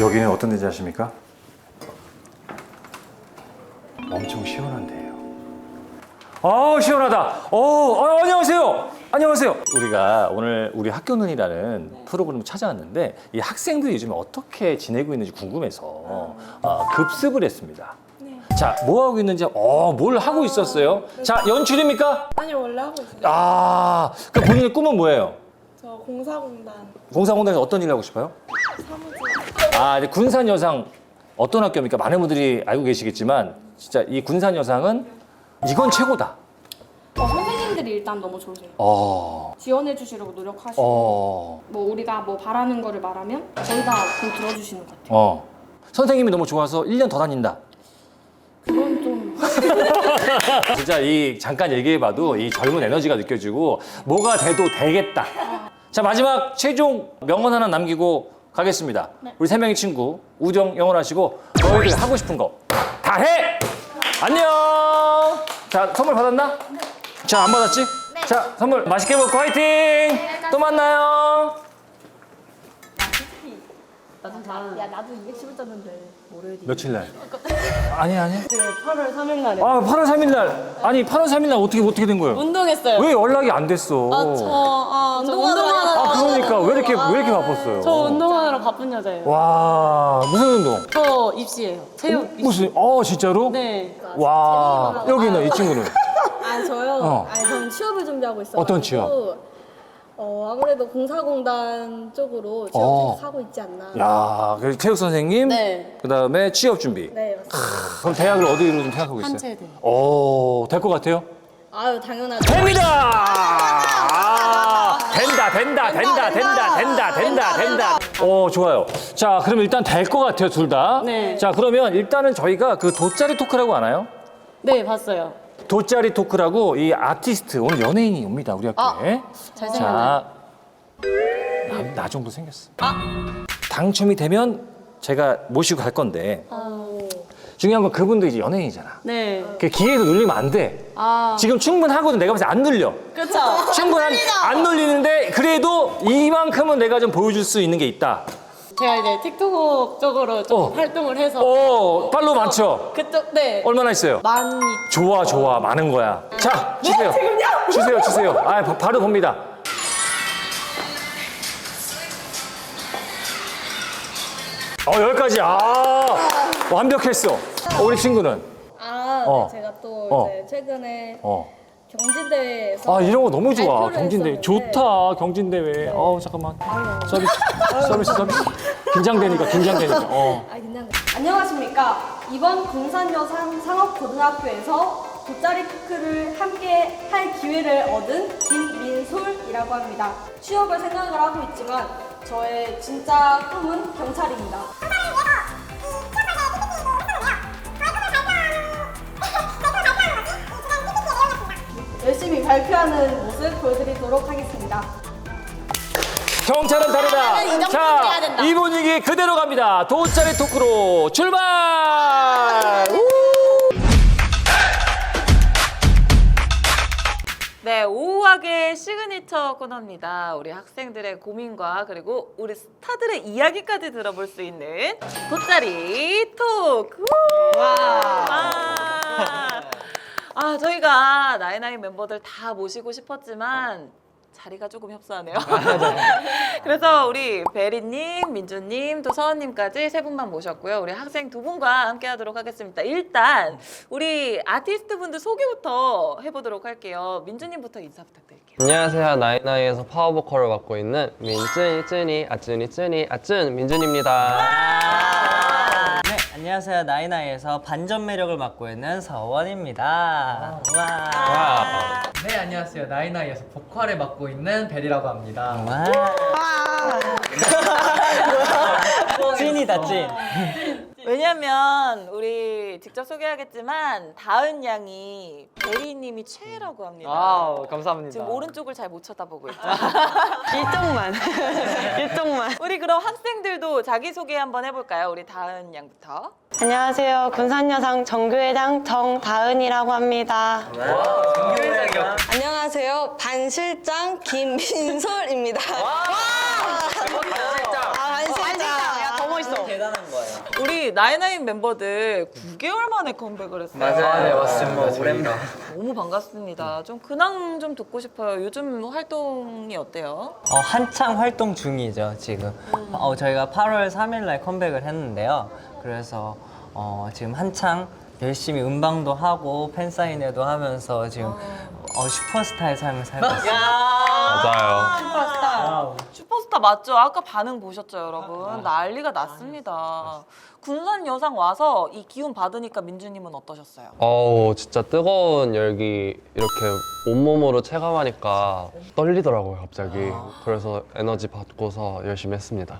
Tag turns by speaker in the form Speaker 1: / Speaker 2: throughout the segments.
Speaker 1: 여기는 어떤 데인지 아십니까? 엄청 시원한 데예요. 시원하다. 안녕하세요. 안녕하세요. 우리가 오늘 우리 학교눈이라는 프로그램을 찾아왔는데 이 학생들이 요즘에 어떻게 지내고 있는지 궁금해서 급습을 했습니다. 자, 뭐 하고 있는지, 뭘 하고 있었어요? 자, 연출입니까?
Speaker 2: 아니 원래 하고 있어요.
Speaker 1: 그 본인의 꿈은 뭐예요?
Speaker 2: 저 공사공단
Speaker 1: 공사공단에서 어떤 일을 하고 싶어요?
Speaker 2: 사무직.
Speaker 1: 이제 군산여상 어떤 학교입니까? 많은 분들이 알고 계시겠지만 진짜 이 군산여상은 이건 최고다.
Speaker 3: 선생님들이 일단 너무 좋으세요. 지원해 주시려고 노력하시고 뭐 우리가 뭐 바라는 거를 말하면 저희 다 그 들어주시는 것 같아요.
Speaker 1: 선생님이 너무 좋아서 1년 더 다닌다.
Speaker 3: 그건 좀
Speaker 1: 진짜 이 잠깐 얘기해봐도 이 젊은 에너지가 느껴지고 뭐가 돼도 되겠다. 자, 마지막 최종 명언 하나 남기고 가겠습니다. 우리 세 명의 친구 우정 영원하시고 너희들 하고 싶은 거 다 해! 안녕! 자, 선물 받았나? 자, 안 받았지? 자, 선물 맛있게 먹고 화이팅! 또 만나요!
Speaker 3: 나도 210을 떴는데 월요일이
Speaker 1: 며칠 날? 아니.
Speaker 3: 그 8월 3일 날에
Speaker 1: 8월 3일 날. 아니, 8월 3일 날 어떻게 된 거예요?
Speaker 3: 운동했어요.
Speaker 1: 왜 연락이 안 됐어?
Speaker 3: 저 운동하느라
Speaker 1: 그러니까 왜 이렇게 바빴어요?
Speaker 3: 저 운동하느라 바쁜 여자예요.
Speaker 1: 와, 무슨 운동?
Speaker 3: 저 입시예요. 체육 입시.
Speaker 1: 무슨? 진짜로?
Speaker 3: 네.
Speaker 1: 와, 여기는 이 친구는
Speaker 4: 저요? 전 취업을 준비하고 있어요.
Speaker 1: 어떤 취업?
Speaker 4: 아무래도 공사공단 쪽으로 취업 하고 있지 않나.
Speaker 1: 야, 그래서 체육 선생님,
Speaker 3: 네.
Speaker 1: 그다음에 취업 준비.
Speaker 4: 네, 맞습니다.
Speaker 1: 그럼 대학을 어디로 좀 생각하고 있어요?
Speaker 3: 한체대.
Speaker 1: 될 것 같아요?
Speaker 4: 아유, 당연하죠.
Speaker 1: 됩니다! 된다. 좋아요. 자, 그럼 일단 될 것 같아요, 둘 다.
Speaker 3: 네.
Speaker 1: 자, 그러면 일단은 저희가 그 돗자리 토크라고 아나요?
Speaker 3: 네, 봤어요.
Speaker 1: 돗자리 토크라고 이 아티스트, 오늘 연예인이 옵니다, 우리 학교에.
Speaker 3: 잘생겼네.
Speaker 1: 자, 나 정도 생겼어. 당첨이 되면 제가 모시고 갈 건데 중요한 건 그분도 이제 연예인이잖아.
Speaker 3: 네.
Speaker 1: 그 기회에서 눌리면 안 돼. 지금 충분하거든. 내가 봤을 때 안 눌려.
Speaker 3: 그렇죠.
Speaker 1: 안 눌리는데 그래도 이만큼은 내가 좀 보여줄 수 있는 게 있다.
Speaker 3: 제가 이제 틱톡 쪽으로 좀 활동을 해서
Speaker 1: 팔로우 많죠?
Speaker 3: 그쪽 네.
Speaker 1: 얼마나 있어요?
Speaker 3: 많이
Speaker 1: 좋아. 많은 거야. 자, 주세요. 주세요. 바로 봅니다. 여기까지. 완벽했어. 우리 친구는?
Speaker 4: 네, 제가 또 이제 최근에 경진대회에서
Speaker 1: 이런 거 너무 좋아.
Speaker 4: 발표를
Speaker 1: 경진대회.
Speaker 4: 했었는데
Speaker 1: 좋다. 경진대회. 잠깐만. 서비스. 긴장되니까.
Speaker 4: 긴장돼.
Speaker 2: 안녕하십니까. 이번 군산여상 상업고등학교에서 돗자리 토크를 함께 할 기회를 얻은 김민솔이라고 합니다. 취업을 생각을 하고 있지만 저의 진짜 꿈은 경찰입니다. 열심히 발표하는 모습 보여드리도록 하겠습니다.
Speaker 1: 경찰은 다르다. 자, 이 분위기 그대로 갑니다. 돗자리 토크로 출발!
Speaker 5: 네, 오후학의 시그니처 코너입니다. 우리 학생들의 고민과 그리고 우리 스타들의 이야기까지 들어볼 수 있는 돗자리 토크. 저희가 나이나이 멤버들 다 모시고 싶었지만 자리가 조금 협소하네요. 그래서 우리 베리님, 민주님, 또 서원님까지 세 분만 모셨고요. 우리 학생 두 분과 함께 하도록 하겠습니다. 일단 우리 아티스트 분들 소개부터 해보도록 할게요. 민주님부터 인사 부탁드릴게요.
Speaker 6: 안녕하세요. 나이나이에서 파워보컬을 맡고 있는 아쯔니 민준입니다.
Speaker 7: 네, 안녕하세요. 나이나이에서 반전 매력을 맡고 있는 서원입니다. 와.
Speaker 8: 네, 안녕하세요. 나이나이에서 보컬을 맡고 있는 벨이라고 합니다.
Speaker 7: 찐이다, 찐.
Speaker 5: 왜냐면 우리 직접 소개하겠지만 다은 양이 베리님이 최애라고 합니다.
Speaker 8: 감사합니다.
Speaker 5: 지금 오른쪽을 잘 못 쳐다보고 있죠.
Speaker 3: 일정만.
Speaker 5: 우리 그럼 학생들도 자기소개 한번 해볼까요? 우리 다은 양부터.
Speaker 3: 안녕하세요. 군산여상 정교회장 정다은이라고 합니다.
Speaker 4: 안녕하세요. 반실장 김민솔입니다. 반실장.
Speaker 3: 야, 더 멋있어.
Speaker 5: 우리 나인나인 멤버들 9개월 만에 컴백을 했어요.
Speaker 7: 네, 맞습니다. 오랜만.
Speaker 5: 너무 반갑습니다. 좀 근황 좀 듣고 싶어요. 요즘 활동이 어때요?
Speaker 7: 한창 활동 중이죠, 지금. 저희가 8월 3일 날 컴백을 했는데요. 그래서 지금 한창 열심히 음방도 하고 팬사인회도 하면서 지금 슈퍼스타의 삶을 살고 있어요.
Speaker 6: 맞아요.
Speaker 5: 슈퍼스타. 슈퍼스타 맞죠? 아까 반응 보셨죠, 여러분? 난리가 났습니다. 군산 여상 와서 이 기운 받으니까 민주님은 어떠셨어요?
Speaker 6: 진짜 뜨거운 열기 이렇게 온몸으로 체감하니까 떨리더라고요, 갑자기. 그래서 에너지 받고서 열심히 했습니다.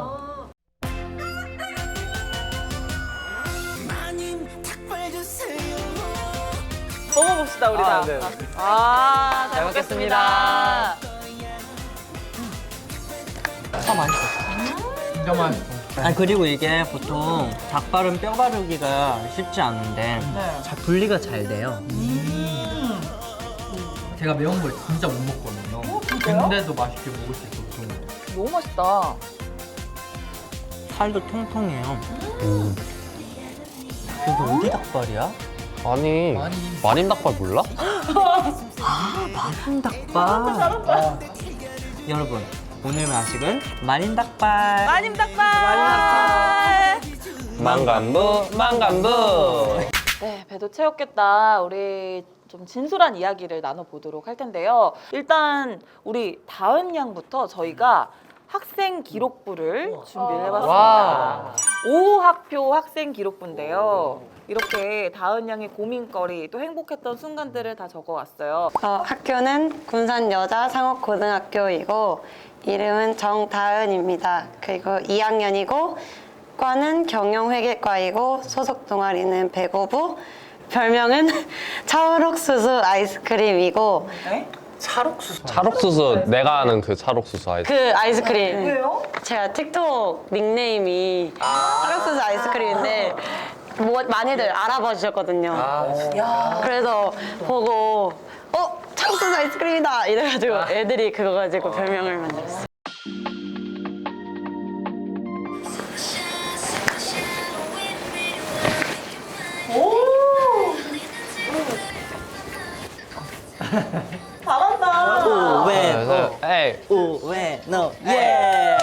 Speaker 5: 먹어봅시다, 우리 다.
Speaker 7: 네.
Speaker 5: 잘 먹겠습니다.
Speaker 8: 진짜 맛있어.
Speaker 7: 그리고 이게 보통 닭발은 뼈 바르기가 쉽지 않은데 잘 분리가 잘 돼요.
Speaker 8: 제가 매운 걸 진짜 못 먹거든요. 근데도 맛있게 먹을 수 있어.
Speaker 5: 너무 맛있다.
Speaker 7: 살도 통통해요. 이게 어디 닭발이야?
Speaker 6: 아니, 마님 닭발 몰라?
Speaker 7: 닭발. 여러분, 오늘 마식은 마린 닭발.
Speaker 5: 마님 닭발!
Speaker 6: 망간부.
Speaker 5: 네, 배도 채웠겠다. 우리 좀 진솔한 이야기를 나눠보도록 할 텐데요. 일단 우리 다은 양부터 저희가 학생 기록부를 준비를 해봤습니다. 5학표 학생 기록부인데요. 이렇게 다은 양의 고민거리 또 행복했던 순간들을 다 적어왔어요.
Speaker 9: 학교는 군산 여자 상업고등학교이고 이름은 정다은입니다. 그리고 2학년이고 과는 경영회계과이고 소속 동아리는 배구부, 별명은 찰옥수수 아이스크림이고
Speaker 6: 찰옥수수, 내가 아는 그 찰옥수수 아이스.
Speaker 9: 그 아이스크림 제가 틱톡 닉네임이 찰옥수수 아이스크림인데 많이들 알아봐 주셨거든요. 그래서 보고 찰옥수수 아이스크림이다 이래가지고 애들이 그거 가지고 별명을 만들었어요.
Speaker 7: 우웨노,
Speaker 6: 에이,
Speaker 7: 우웨노, 예.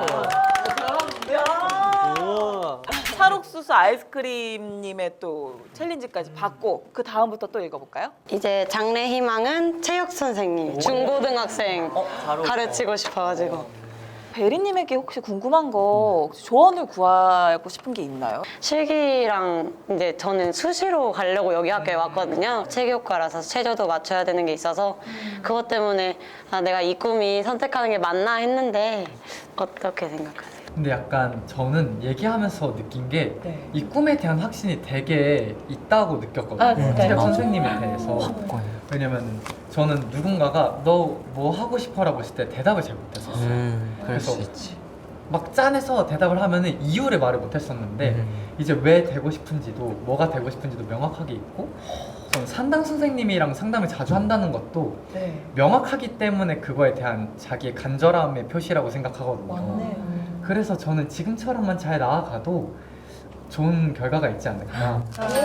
Speaker 5: 찰옥수수 아이스크림님의 또 챌린지까지 받고 그 다음부터 또 읽어볼까요?
Speaker 9: 이제 장래 희망은 체육 선생님, 중고등학생 가르치고 싶어가지고
Speaker 5: 베리님에게 혹시 궁금한 거 혹시 조언을 구하고 싶은 게 있나요?
Speaker 9: 실기랑 이제 저는 수시로 가려고 여기 학교에 왔거든요. 체교과라서 체조도 맞춰야 되는 게 있어서 그것 때문에 내가 이 꿈이 선택하는 게 맞나 했는데 어떻게 생각하세요?
Speaker 8: 근데 약간 저는 얘기하면서 느낀 게 이 꿈에 대한 확신이 되게 있다고 느꼈거든요. 체육 선생님에 대해서. 왜냐면 저는 누군가가 너 뭐 하고 싶어라고 했을 때 대답을 잘 못했었어요.
Speaker 7: 그럴 수
Speaker 8: 그래서
Speaker 7: 있지.
Speaker 8: 막 짠해서 대답을 하면은 이유를 말을 못했었는데 이제 왜 되고 싶은지도 뭐가 되고 싶은지도 명확하게 있고 저는 상담 선생님이랑 상담을 자주 한다는 것도 명확하기 때문에 그거에 대한 자기의 간절함의 표시라고 생각하거든요. 그래서 저는 지금처럼만 잘 나아가도 좋은 결과가 있지 않을까.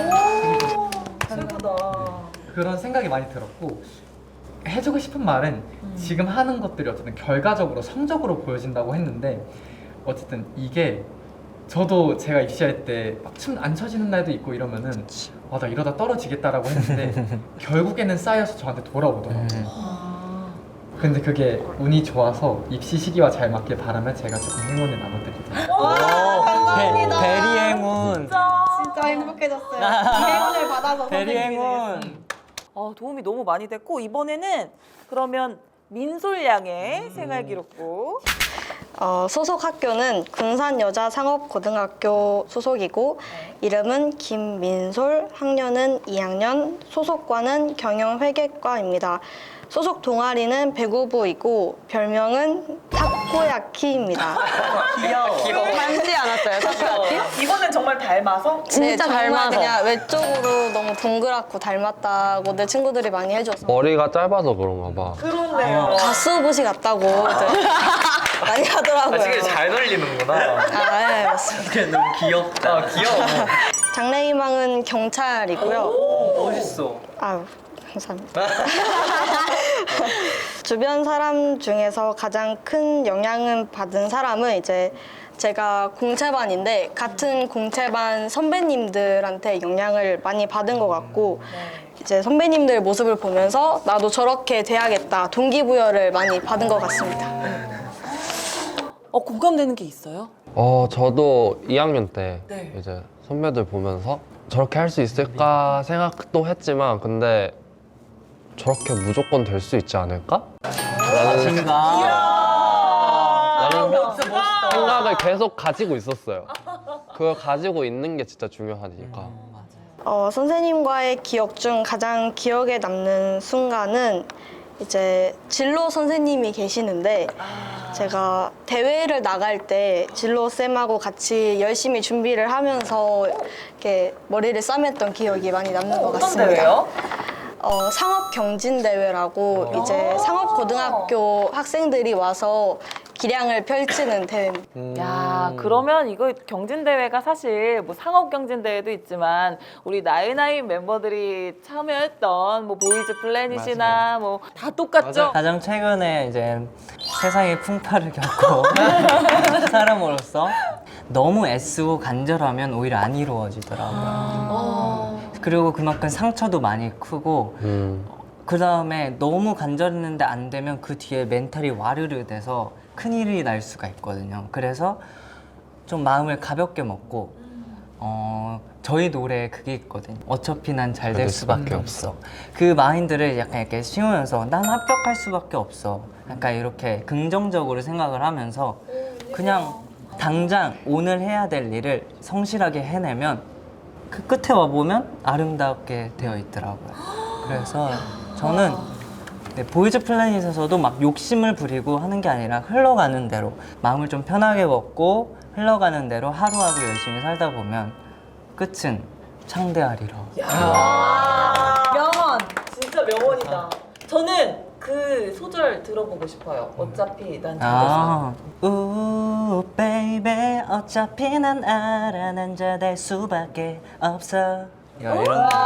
Speaker 8: 그런 생각이 많이 들었고 해주고 싶은 말은 지금 하는 것들이 어쨌든 결과적으로 성적으로 보여진다고 했는데 어쨌든 이게 저도 제가 입시할 때 막 춤 안 춰지는 날도 있고 이러면은 나 이러다 떨어지겠다라고 했는데 결국에는 쌓여서 저한테 돌아오더라고요. 근데 그게 운이 좋아서 입시 시기와 잘 맞길 바라며 제가 조금 행운을 나눠드립니다.
Speaker 7: 베리 행운.
Speaker 2: 진짜 행복해졌어요. 행운을 받아서
Speaker 7: 베리
Speaker 2: 선생님이
Speaker 7: 행운.
Speaker 5: 도움이 너무 많이 됐고 이번에는 그러면 민솔 양의 생활 기록부.
Speaker 9: 소속 학교는 군산 여자 상업고등학교 소속이고 이름은 김민솔, 학년은 2학년, 소속과는 경영회계과입니다. 소속 동아리는 배구부이고 별명은
Speaker 2: 타코야키입니다.
Speaker 9: 닮지 않았어요, 타코야키?
Speaker 5: 이거는 정말 닮아서?
Speaker 9: 진짜
Speaker 4: 정말
Speaker 9: 닮아서.
Speaker 4: 그냥 외적으로 너무 동그랗고 닮았다고 내 친구들이 많이 해줘서
Speaker 6: 머리가 짧아서 그런가 봐.
Speaker 5: 그렇네요.
Speaker 4: 가수부시 같다고 많이 하더라고요.
Speaker 7: 잘 놀리는구나.
Speaker 4: 아, 네, 맞습니다.
Speaker 7: 너무 귀엽다. 귀여워.
Speaker 2: 장래희망은 경찰이고요.
Speaker 7: 멋있어.
Speaker 2: 아유, 감사합니다. 주변 사람 중에서 가장 큰 영향을 받은 사람은 이제 제가 공채반인데 같은 공채반 선배님들한테 영향을 많이 받은 것 같고 이제 선배님들 모습을 보면서 나도 저렇게 돼야겠다 동기부여를 많이 받은 것 같습니다.
Speaker 5: 공감되는 게 있어요?
Speaker 6: 저도 2학년 때
Speaker 5: 네.
Speaker 6: 이제 선배들 보면서 저렇게 할 수 있을까 생각도 했지만 근데 저렇게 무조건 될 수 있지 않을까? 라는 생각을 계속 가지고 있었어요. 그걸 가지고 있는 게 진짜 중요하니까.
Speaker 2: 선생님과의 기억 중 가장 기억에 남는 순간은 이제 진로 선생님이 계시는데 제가 대회를 나갈 때 진로 쌤하고 같이 열심히 준비를 하면서 이렇게 머리를 싸맸던 기억이 많이 남는 것 같습니다.
Speaker 5: 어떤 대회요?
Speaker 2: 상업 경진 대회라고 이제 상업 고등학교 학생들이 와서 기량을 펼치는 대회입니다.
Speaker 5: 야, 그러면 이거 경진대회가 사실 뭐 상업경진대회도 있지만 우리 나인나인 멤버들이 참여했던 뭐 보이즈 플래닛이나 뭐 다 똑같죠?
Speaker 7: 가장 최근에 이제 세상의 풍파를 겪고 사람으로서 너무 애쓰고 간절하면 오히려 안 이루어지더라고요. 그리고 그만큼 상처도 많이 크고 그 다음에 너무 간절했는데 안 되면 그 뒤에 멘탈이 와르르 돼서 큰일이 날 수가 있거든요. 그래서 좀 마음을 가볍게 먹고 저희 노래에 그게 있거든요. 어차피 난 잘 될 수밖에 없어. 그 마인드를 약간 이렇게 씌우면서 난 합격할 수밖에 없어. 약간 이렇게 긍정적으로 생각을 하면서 그냥 당장 오늘 해야 될 일을 성실하게 해내면 그 끝에 와보면 아름답게 되어 있더라고요. 그래서 저는 보이즈 플래닛에서도 막 욕심을 부리고 하는 게 아니라 흘러가는 대로 마음을 좀 편하게 먹고 흘러가는 대로 하루하루 열심히 살다 보면 끝은 창대하리라.
Speaker 5: 명언! 진짜 명언이다. 저는 그 소절 들어보고 싶어요. 어차피 난 잘됐어.
Speaker 7: 우 베이베 어차피 난 알아 난 잘 될 수밖에 없어. 이런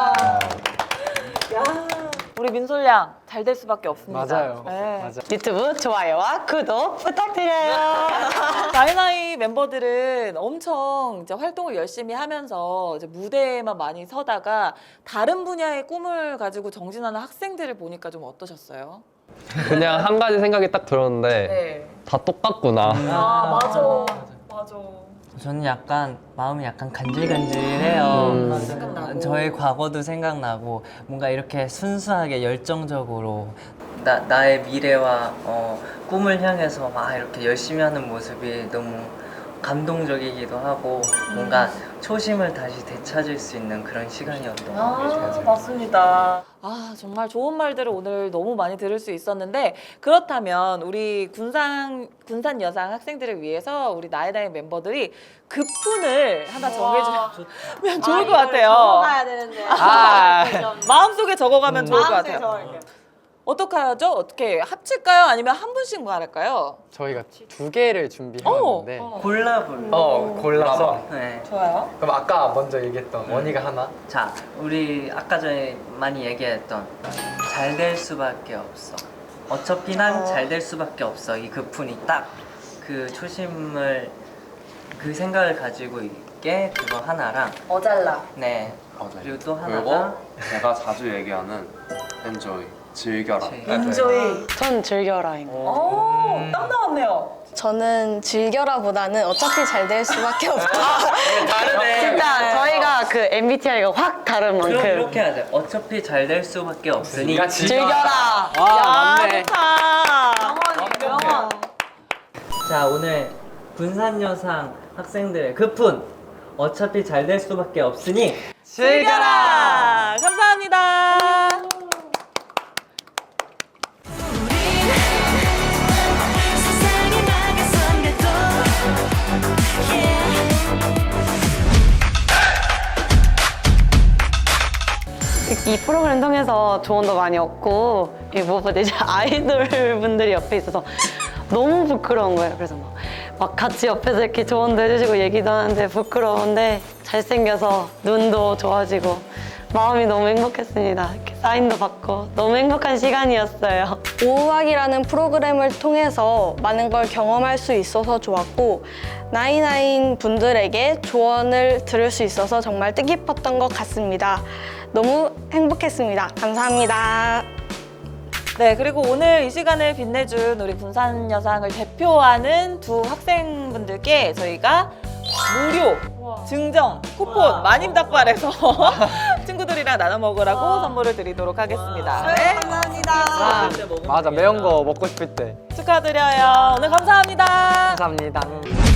Speaker 5: 우리 민솔 양 잘 될 수밖에 없습니다.
Speaker 8: 맞아요.
Speaker 5: 네.
Speaker 9: 유튜브 좋아요와 구독 부탁드려요.
Speaker 5: 나이나이 멤버들은 엄청 이제 활동을 열심히 하면서 이제 무대에만 많이 서다가 다른 분야의 꿈을 가지고 정진하는 학생들을 보니까 좀 어떠셨어요?
Speaker 6: 그냥 한 가지 생각이 딱 들었는데
Speaker 5: 네.
Speaker 6: 다 똑같구나.
Speaker 5: 아 맞아. 맞아.
Speaker 7: 저는 약간 마음이 약간 간질간질해요.
Speaker 5: 생각나고.
Speaker 7: 저의 과거도 생각나고 뭔가 이렇게 순수하게 열정적으로 나의 미래와 꿈을 향해서 막 이렇게 열심히 하는 모습이 너무 감동적이기도 하고 뭔가 초심을 다시 되찾을 수 있는 그런 시간이었던 것 같아요.
Speaker 5: 맞습니다. 정말 좋은 말들을 오늘 너무 많이 들을 수 있었는데 그렇다면 우리 군산 여상 학생들을 위해서 우리 나이나이 멤버들이 급훈을 하나 정해주면 좋을 것 같아요.
Speaker 2: 적어가야 되는데.
Speaker 5: 마음속에 적어가면 좋을 것 같아요. 어떻게 하죠? 어떻게 합칠까요? 아니면 한 분씩 말할까요?
Speaker 8: 저희가 2개를 준비해왔는데
Speaker 7: 골라서 네.
Speaker 5: 좋아요.
Speaker 8: 그럼 아까 먼저 얘기했던 원희가 하나
Speaker 7: 자, 우리 아까 전에 많이 얘기했던 잘 될 수밖에 없어. 어차피 난 잘 될 수밖에 없어. 이 급훈이 딱 그 초심을 그 생각을 가지고 있게 그거 하나랑
Speaker 5: 어잘라.
Speaker 7: 네. 그리고 또
Speaker 6: 그리고
Speaker 7: 하나가
Speaker 6: 제가 자주 얘기하는 enjoy, 즐겨라.
Speaker 5: 인조이.
Speaker 9: 전 즐겨라인 거.
Speaker 5: 딱 나왔네요.
Speaker 4: 저는 즐겨라보다는 어차피 잘 될 수밖에 없다.
Speaker 9: 진짜 저희가 그 MBTI가 확 다른
Speaker 7: 그럼
Speaker 9: 만큼
Speaker 7: 이렇게 하자. 어차피 잘 될 수밖에 없으니
Speaker 9: 즐겨라.
Speaker 5: 맞네. 명언.
Speaker 7: 자, 오늘 군산여상 학생들의 급훈 어차피 잘 될 수밖에 없으니
Speaker 5: 즐겨라. 감사합니다.
Speaker 10: 세상이 막을
Speaker 9: 이 프로그램 통해서 조언도 많이 얻고 무엇보다 이제 아이돌 분들이 옆에 있어서 너무 부끄러운 거예요. 그래서 막 같이 옆에서 이렇게 조언도 해주시고 얘기도 하는데 부끄러운데 잘생겨서 눈도 좋아지고 마음이 너무 행복했습니다. 이렇게 사인도 받고 너무 행복한 시간이었어요.
Speaker 2: 오우학이라는 프로그램을 통해서 많은 걸 경험할 수 있어서 좋았고 나인나인 분들에게 조언을 들을 수 있어서 정말 뜻깊었던 것 같습니다. 너무 행복했습니다. 감사합니다.
Speaker 5: 네, 그리고 오늘 이 시간을 빛내준 우리 군산 여상을 대표하는 두 학생분들께 저희가 무료 증정 쿠폰 마님 닭발에서 친구들이랑 나눠 먹으라고 선물을 드리도록 하겠습니다. 네.
Speaker 7: 맞아 매운 거 먹고 싶을 때
Speaker 5: 축하드려요. 오늘 감사합니다.
Speaker 7: 감사합니다.